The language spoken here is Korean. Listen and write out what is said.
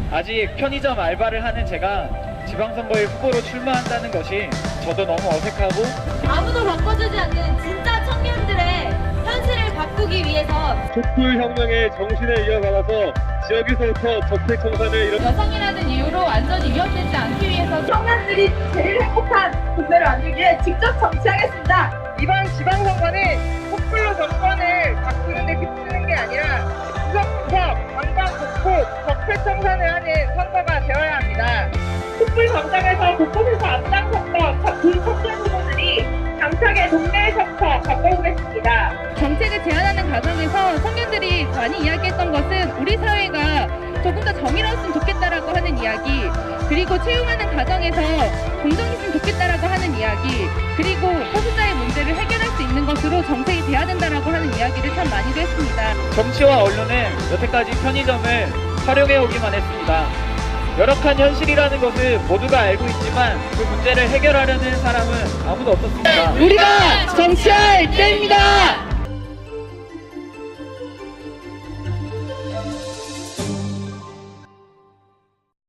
아직 편의점 알바를 하는 제가 지방선거에 후보로 출마한다는 것이 저도 너무 어색하고 아무도 바꿔주지 않는 진짜 청년들의 현실을 바꾸기 위해서 촛불혁명의 정신을 이어받아서 지역에서부터 저택 청산을 이뤄 여성이라는 이유로 안전이 위협되지 않기 위해서 청년들이 제일 행복한 국회를 만들기 위해 직접 정치하겠습니다. 이번 지방선거는 촛불로 정권을 바꾸는 데 그치는 게 아니라 구석구석 관광 곳곳 적폐청산을 하는 선거가 되어야 합니다. 촛불 광장에서 곳곳에서 앞장섰던 그 청년 후보들이 당차게 동네 셔터 바꿔보겠습니다. 정책을 제안하는 과정에서 청년들이 많이 이야기했던 것은 우리 사회가 조금 더 정의로웠으면 좋겠다라고 하는 이야기, 그리고 채용하는 과정에서 공정했으면 좋겠다라고 하는 이야기, 그리고 소수자의 문제를 해결할 수 있는 것으로 정책이 돼야 된다라고 하는 이야기를 참 많이도 했습니다. 정치와 언론은 여태까지 편의점을 활용해 오기만 했습니다. 열악한 현실이라는 것을 모두가 알고 있지만 그 문제를 해결하려는 사람은 아무도 없었습니다. 우리가 정치할 때입니다.